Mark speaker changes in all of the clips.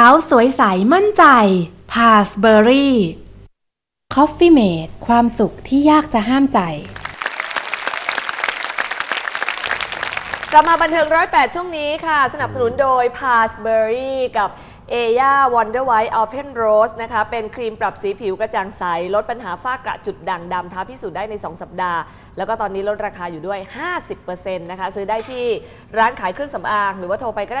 Speaker 1: าวสวยใสมั่นใจ Passberry Coffee Mate ความสุขที่ยากจะห้ามใจ
Speaker 2: กลับมาบันเทิง108ช่วงนี้ค่ะสนับสนุนโดย Passberry กับเอย่า Wonder White Open Rose นะคะเป็นครีมปรับสีผิวกระจ่างใสลดปัญหาฝ้ากระจุดด่างดำท้าพิสูจน์ได้ใน2สัปดาห์แล้วก็ตอนนี้ลดราคาอยู่ด้วย 50% นะคะซื้อได้ที่ร้านขายเครื่องสำอางหรือว่าโทรไปก็ได้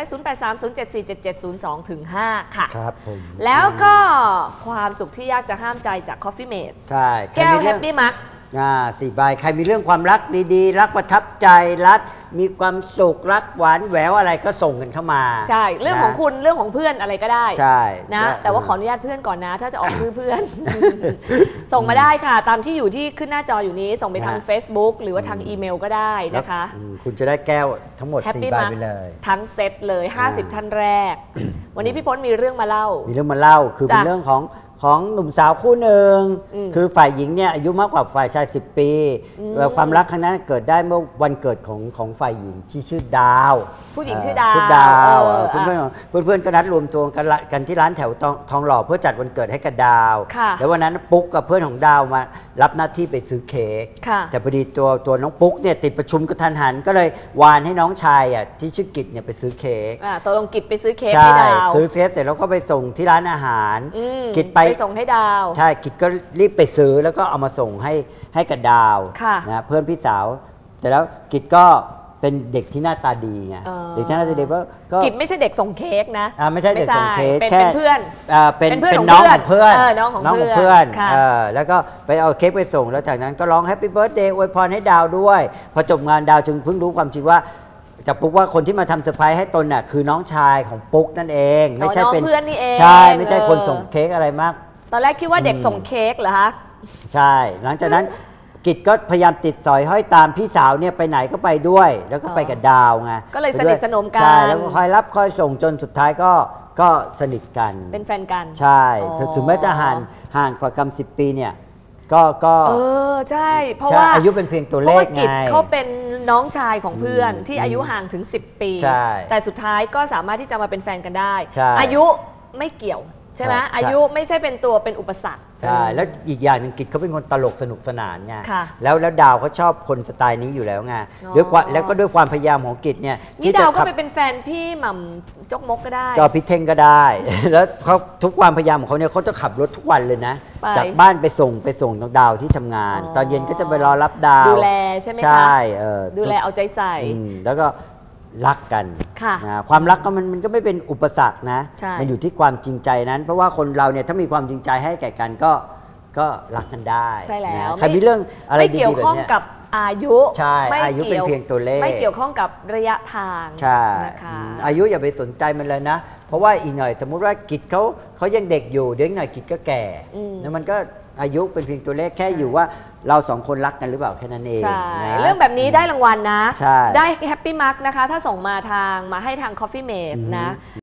Speaker 2: 0830747702-5 ค่ะ
Speaker 3: ครับผม
Speaker 2: แล้วก็ความสุขที่ยากจะห้ามใจจาก Coffee Mate
Speaker 3: ใช่
Speaker 2: แก้ว Happy Mug
Speaker 3: 4 ใบใครมีเรื่องความรักดีๆรักประทับใจรักมีความสุขรักหวานแหววอะไรก็ส่งกันเข้ามา
Speaker 2: ใช่เรื่องของคุณเรื่องของเพื่อนอะไรก็ได้
Speaker 3: ใช่
Speaker 2: นะแต่ว่าขออนุญาตเพื่อนก่อนนะถ้าจะออกชื่อเพื่อน ส่งมาได้ค่ะตามที่อยู่ที่ขึ้นหน้าจออยู่นี้ส่งไปทาง Facebook หรือว่าทางอีเมลก็ได้นะคะ
Speaker 3: คุณจะได้แก้วทั้งหมด4 ใบไปเลย
Speaker 2: ทั้งเซตเลย50ท่านแรกวันนี้พี่พจน์มีเรื่องมาเล่า
Speaker 3: คือเป็นเรื่องของหนุ่มสาวคู่หนึ่งคือฝ่ายหญิงเนี่ยอายุมากกว่าฝ่ายชาย10 ปีความรักครั้งนั้นเกิดได้เมื่อวันเกิดของฝ่ายหญิงที่ชื่อดาว
Speaker 2: ผู้หญิงชื่อดาว
Speaker 3: เพื่อนก็นัดรวมตัวกันที่ร้านแถวทองหล่อเพื่อจัดวันเกิดให้กับดาวแล้ววันนั้นปุ๊กกับเพื่อนของดาวมารับหน้าที่ไปซื้อเค้กแต่พอดีตัวน้องปุ๊กเนี่ยติดประชุมกระทันหันก็เลยวานให้น้องชายที่ชื่อกิจเนี่ยไปซื้อเค้ก
Speaker 2: ตัวลงกิจไปซื้อเค้กให้ดาว
Speaker 3: ซื้อเค้กเสร็จแล้วก็ไปส่งที่ร้านอาหารกิจไป
Speaker 2: ส่งให้ดาว
Speaker 3: ใช่กิจก็รีบไปซื้อแล้วก็เอามาส่งให้กับดาวนะเพื่อนพี่สาวแต่แล้วกิจก็เป็นเด็กที่หน้าตาดีไงเด็กที่หน้าตาดีก็
Speaker 2: กิจไม่ใช่เด็กส่งเค้กนะ
Speaker 3: ไม่ใช่เด็กส่งเค้ก
Speaker 2: แค่เป็นเพื่อน
Speaker 3: เป็นน้องของเพื่อน
Speaker 2: น้องของเพื่อน
Speaker 3: แล้วก็ไปเอาเค้กไปส่งแล้วจากนั้นก็ร้องแฮปปี้เบิร์ธเดย์อวยพรให้ดาวด้วยพอจบงานดาวจึงเพิ่งรู้ความจริงว่าจากปุ๊กว่าคนที่มาทำเซอร์ไพรส์ให้ตนน่ะคือน้องชายของปุ๊กนั่นเองไม่ใช่เป็น
Speaker 2: เพื่อนนี่เอง
Speaker 3: ใช่ไม่ใช่คนส่งเค้กอะไรมาก
Speaker 2: ตอนแรกคิดว่าเด็กส่งเค้กเหรอคะ
Speaker 3: ใช่หลังจากนั้นกิจก็พยายามติดสอยห้อยตามพี่สาวเนี่ยไปไหนก็ไปด้วยแล้วก็ไปกับดาวไง
Speaker 2: ก็เลยสนิทสนมกัน
Speaker 3: ใช่แล้วก็คอยรับคอยส่งจนสุดท้ายก็สนิทกัน
Speaker 2: เป็นแฟนกัน
Speaker 3: ใช่ถึงแม้จะห่างกว่ากัน10 ปีเนี่ยก็
Speaker 2: ใช่เพราะว่า
Speaker 3: อายุเป็นเพียงตัวเลขไง
Speaker 2: เขาเป็นน้องชายของเพื่อนที่อายุห่างถึง10 ปีแต่สุดท้ายก็สามารถที่จะมาเป็นแฟนกันได้อายุไม่เกี่ยวใช่ไหมอายุไม่ใช่เป็นตัวเป็นอุปสรรค
Speaker 3: ใช่แล้วอีกอย่างหนึ่งกิจเขาเป็นคนตลกสนุกสนานไงแล้วดาวเขาชอบคนสไตล์นี้อยู่แล้วไงแล้วก็ด้วยความพยายามของกิจเนี่ย
Speaker 2: นี่ดาวก็ไปเป็นแฟนพี่หม่ำจกมกก็ได้
Speaker 3: ก็พี่เท่งก็ได้แล้วเขาทุกความพยายามของเขาเนี่ยเขาจะขับรถทุกวันเลยนะจากบ้านไปส่งน้องดาวที่ทำงานตอนเย็นก็จะไปรอรับดาว
Speaker 2: ดูแลใช่ไหมคะ
Speaker 3: ใช่
Speaker 2: ดูแลเอาใจใส่
Speaker 3: แล้วก็รักกันความรักก็มันก็ไม่เป็นอุปสรรคนะมันอยู่ที่ความจริงใจนั้นเพราะว่าคนเราเนี่ยถ้ามีความจริงใจให้แก่กันก็รักกันได้
Speaker 2: ใช่แล้ว
Speaker 3: ใครมีเรื่องอะไรดีๆแบบนี้
Speaker 2: ไม่เกี่ยวข้องกับอายุ
Speaker 3: ใช่อายุเป็นเพียงตัวเลข
Speaker 2: ไม่เกี่ยวข้องกับระยะทาง
Speaker 3: ใช่อายุอย่าไปสนใจมันเลยนะเพราะว่าอีกหน่อยสมมุติว่ากิจเขายังเด็กอยู่เดี๋ยวหน่อยกิจก็แก่แล้วมันก็อายุเป็นเพียงตัวเลขแค่อยู่ว่าเรา2 คนรักกันหรือเปล่าแค่นั้นเอง
Speaker 2: เรื่องแบบนี้ได้รางวัลนะได้แฮปปี้มาร์กนะคะถ้าส่งมาให้ทาง Coffee Mate นะ